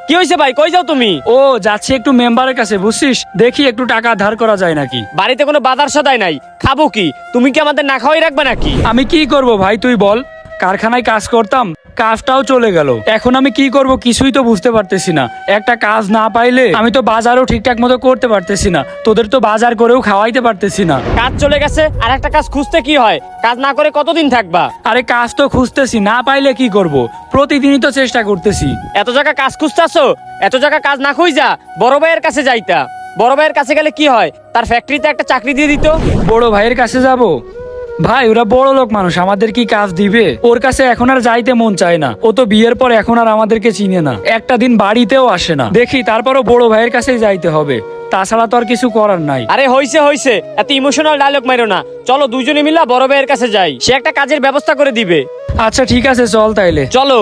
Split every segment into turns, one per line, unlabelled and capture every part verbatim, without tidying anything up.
কি হয়েছে ভাই, কই যাও তুমি?
ও যাচ্ছি একটু মেম্বারের কাছে, বুঝছিস, দেখি একটু টাকা ধার করা যায় নাকি।
বাড়িতে কোনো বাজার সদাই নাই, খাবো কি? তুমি কি আমাদের না খাওয়াই রাখবে নাকি?
আমি কি করব ভাই তুই বল, কারখানায় কাজ করতাম, কাজটাও চলে গেল, এখন আমি কি করব কিছুই তো বুঝতে পারতেছি না। একটা কাজ না পাইলে আমি তো বাজারও ঠিকঠাক মতো করতে পারতেছি না, তোদের তো বাজার করেও খাওয়াইতে পারতেছি না।
কাজ চলে গেছে, আর একটা কাজ খুঁজতে কি হয়? কাজ না করে কতদিন থাকবা?
আরে কাজ তো খুঁজতেছি, না পাইলে কি করব, প্রতিদিনই তো চেষ্টা করতেছি।
এত জায়গা কাজ খুঁজতেছো, এত জায়গা কাজ না খুঁজা বড় ভাইয়ের কাছে যাইতা। বড় ভাইয়ের কাছে গেলে কি হয়, তার ফ্যাক্টরিতে একটা চাকরি দিয়ে দিত।
বড় ভাইয়ের কাছে যাব? ভাই ওরা বড় লোক মানুষ, আমাদের কি কাজ দিবে? ওর কাছে এখন আর যাইতে মন চায় না, ও তো বিয়ের পর এখন আর আমাদেরকে চিনে না, একটা দিন বাড়িতেও আসে না। দেখি তারপরও বড় ভাইয়ের কাছেই যাইতে হবে, তাছাড়া তো আর কিছু করার নাই।
আরে হইছে হইছে, এত ইমোশনাল ডায়লগ মারো না। চলো দুজনে মিলা বড় ভাইয়ের কাছে যাই, সে একটা কাজের ব্যবস্থা করে দিবে।
আচ্ছা ঠিক আছে, চল তাইলে।
চলো।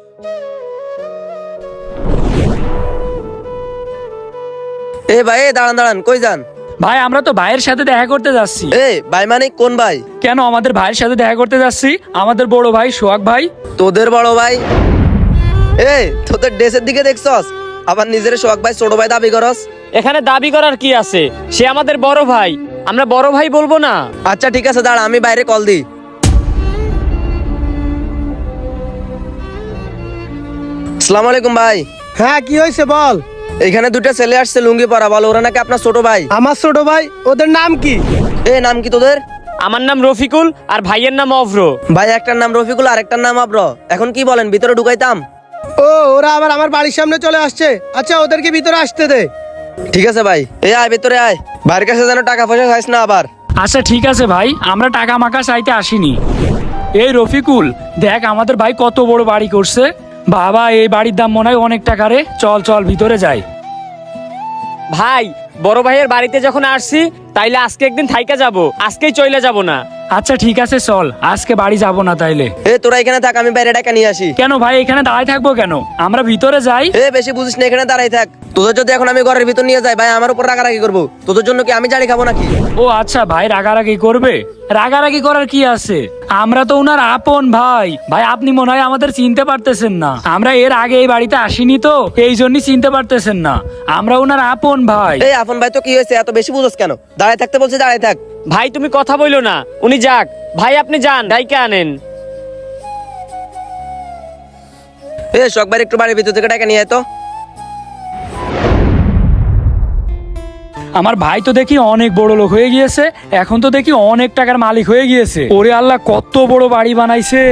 এ ভাই, এ দাঁড়ান দাঁড়ান, কই যান?
ভাই আমরা তো ভাইয়ের সাথে দেখা করতে যাচ্ছি।
এ ভাই মানে কোন ভাই?
কেন, আমাদের ভাইয়ের সাথে দেখা করতে যাচ্ছি, আমাদের বড় ভাই সোহাগ ভাই।
তোদের বড় ভাই? এ তোদের ড্রেসের দিকে দেখছস, আবার নিজের সোহাগ ভাই ছোট ভাই দাবি করস?
এখানে দাবি করার কি আছে, সে আমাদের বড় ভাই, আমরা বড় ভাই বলবো না?
আচ্ছা ঠিক আছে, দাঁড়া আমি বাইরে কল দিই। আসসালামু আলাইকুম ভাই।
হ্যাঁ কি হয়েছে বল।
এখানে দুটো ছেলে আসছে লুঙ্গি পরা, বল ওরা নাকি আপনার ছোট ভাই।
আমার ছোট ভাই, ওদের নাম কি?
এ নাম কি তোদের?
আমার নাম রফিকুল, আর ভাইয়ের নাম অভ্র।
ভাই একটার নাম রফিকুল আর একটার নাম আব্র, এখন কি বলেন, ভিতরে ঢুকাইতাম?
ও ওরা আবার আমার বাড়ির সামনে চলে আসছে, আচ্ছা ওদেরকে ভিতরে আসতে দে।
ঠিক আছে ভাই, এ আয় ভিতরে আয়, ভাইয়ের কাছে যেন টাকা পয়সা চাইস না আবার।
আচ্ছা ঠিক আছে ভাই, আমরা টাকা মাকা চাইতে আসিনি। এই রফিকুল, দেখ আমাদের ভাই কত বড় বাড়ি করছে, বাবা এই বাড়ির দাম মনে হয় অনেক টাকা রে, চল চল ভিতরে যাই।
ভাই বড় ভাইয়ের বাড়িতে যখন আসছি, তাইলে আজকে একদিন থাইকা যাব, আজকেই চলে যাব না।
আচ্ছা ঠিক আছে চল, আজকে বাড়ি যাব না তাইলে।
এ তোরা এখানে থাক, আমি বাইরে টাকা নিয়ে আসি।
কেন ভাই এখানে দাঁড়ায় থাকবো কেন, আমরা ভিতরে যাই।
এ বেশি বুঝিস না, এখানে দাঁড়াই থাক। তোদের যদি এখন আমি ঘরের ভিতর নিয়ে যাই, ভাই আমার উপর রাগারাগি করবো, তোদের জন্য কি আমি জানি খাবো নাকি?
ও আচ্ছা ভাই রাগারাগি করবে, রাগারাগি করার কি আছে, আমরা তো উনার আপন ভাই। ভাই আপনি মনে হয় আমাদের চিনতে পারতেছেন না, আমরা এর আগে এই বাড়িতে আসিনি তো এই জন্যই চিনতে পারতেছেন না, আমরা উনার আপন ভাই।
এই আপন ভাই তো কি হয়েছে, এত বেশি বুঝোস কেন? দাঁড়াই থাকতে বলছে, দাঁড়াই থাক।
ভাই তুমি কথা বইলো না, উনি যাক, ভাই আপনি যান, ডাইকে আনেন।
এ শখ ভাই একটু বাড়ির ভিতর থেকে টাকা নিয়ে আয় তো।
আমার ভাই তো দেখি অনেক বড় লোক হয়ে গিয়েছে, এখন তো দেখি অনেক টাকার মালিক হয়ে গিয়েছে। ওরে আল্লাহ, কত বড় বাড়ি বানাইছে।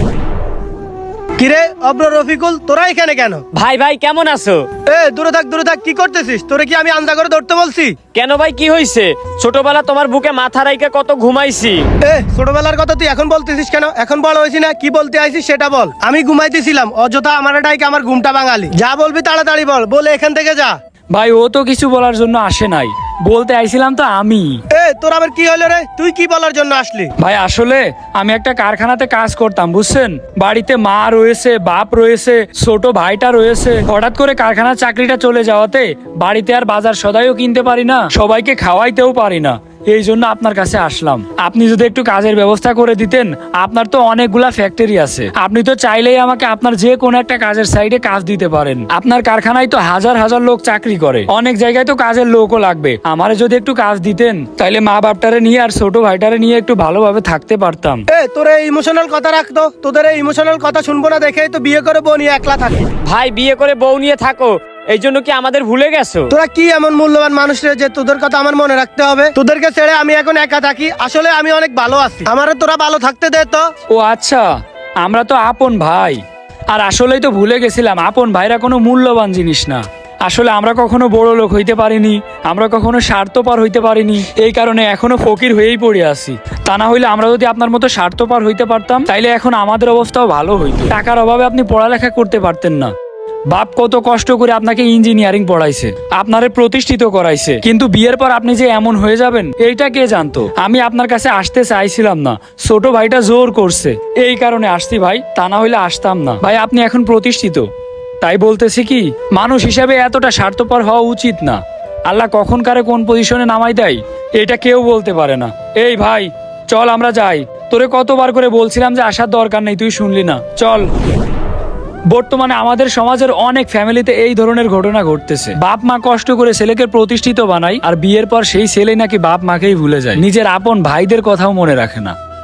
কিরে অব্র রফিকুল, তোরা এখানে কেন?
ভাই ভাই কেমন আছো?
এ দূরে থাক দূরে থাক, কি করতেছিস? তোরে কি আমি আন্দা করে ধরতে বলছি?
কেন ভাই কি হয়েছে? ছোটবেলা তোমার বুকে মাথা রাইকা কত ঘুমাইছি।
এ ছোটবেলার কথা তুই এখন বলতেছিস কেন? এখন বড় হয়েছি না, কি বলতে আইছিস সেটা বল। আমি ঘুমাইতেছিলাম, অযথা আমার ডাইকে আমার ঘুমটা বাঙালি। যা বলবি তাড়াতাড়ি বল, বলে এখান থেকে যা।
ভাই ও তো কিছু বলার জন্য আসে নাই, বলতে আইছিলাম তো আমি।
এ তোর আবার কি হলো রে, তুই কি বলার জন্য আসলি?
ভাই আসলে আমি একটা কারখানাতে কাজ করতাম, বুঝছেন, বাড়িতে মা রয়েছে, বাপ রয়েছে, ছোট ভাইটা রয়েছে, হঠাৎ করে কারখানার চাকরিটা চলে যাওয়াতে বাড়িতে আর বাজার সদাইও কিনতে পারি না, সবাইকে খাওয়াইতেও পারি না, এই জন্য আপনার কাছে আসলাম। আপনি যদি একটু কাজের ব্যবস্থা করে দিতেন, আপনার তো অনেকগুলা ফ্যাক্টরি আছে, আপনি তো চাইলেই আমাকে আপনার যে কোনো একটা কাজের সাইডে কাজ দিতে পারেন। আপনার কারখানায় তো হাজার হাজার লোক চাকরি করে, অনেক জায়গায় তো কাজের লোকও লাগবে, আমারে যদি একটু কাজ দিতেন তাইলে মা বাপটারে নিয়ে আর ছোট ভাইটারে নিয়ে একটু ভালোভাবে থাকতে পারতাম।
এ তোর এই ইমোশনাল কথা রাখতো, তোদের এই ইমোশনাল কথা শুনবো না দেখেই তো বিয়ে করে বউ নিয়ে একলা থাকি।
ভাই বিয়ে করে বউ নিয়ে থাকো, এই জন্য কি আমাদের ভুলে গেছো?
তোরা কি এমন মূল্যবান মানুষ রে যে তোদের কথা আমার মনে রাখতে হবে? তোদেরকে ছেড়ে আমি এখন একা থাকি, আসলে আমি অনেক ভালো আছি, আমারে তোরা ভালো থাকতে দে তো।
ও আচ্ছা, আমরা তো আপন ভাই, আর আসলেই তো ভুলে গেছিলাম আপন ভাইরা কোনো মূল্যবান জিনিস না। আসলে আমরা কখনো বড় লোক হইতে পারিনি, আমরা কখনো স্বার্থপর হইতে পারিনি, এই কারণে এখনো ফকির হয়েই পড়ে আছি। তা না হইলে আমরা যদি আপনার মতো স্বার্থপর হইতে পারতাম, তাইলে এখন আমাদের অবস্থাও ভালো হইতো। টাকার অভাবে আপনি পড়ালেখা করতে পারতেন না, বাপ কত কষ্ট করে আপনাকে ইঞ্জিনিয়ারিং পড়াইছে, আপনারে প্রতিষ্ঠিত করাইছে, কিন্তু বিয়ের পর আপনি যে এমন হয়ে যাবেন এইটা কে জানতো। আমি আপনার কাছে আসতে চাইছিলাম না, ছোট ভাইটা জোর করছে, এই কারণে আসছি ভাই, তা না হইলে আসতাম না। ভাই আপনি এখন প্রতিষ্ঠিত, তাই বলতেছি কি, মানুষ হিসাবে এতটা স্বার্থপর হওয়া উচিত না। আল্লাহ কখন কারে কোন পজিশনে নামাই দেয় এটা কেউ বলতে পারে না। এই ভাই চল আমরা যাই, তোরে কতবার করে বলছিলাম যে আসার দরকার নেই, তুই শুনলি না, চল। বর্তমানে আমাদের সমাজের অনেক ফ্যামিলিতে এই ধরনের ঘটনা ঘটতেছে। বাপ মা কষ্ট করে ছেলেকে প্রতিষ্ঠিত বানায়, আর বিয়ের পর সেই ছেলে নাকি বাপ মাকেই ভুলে যায়, নিজের আপন ভাইদের কথাও মনে রাখে না।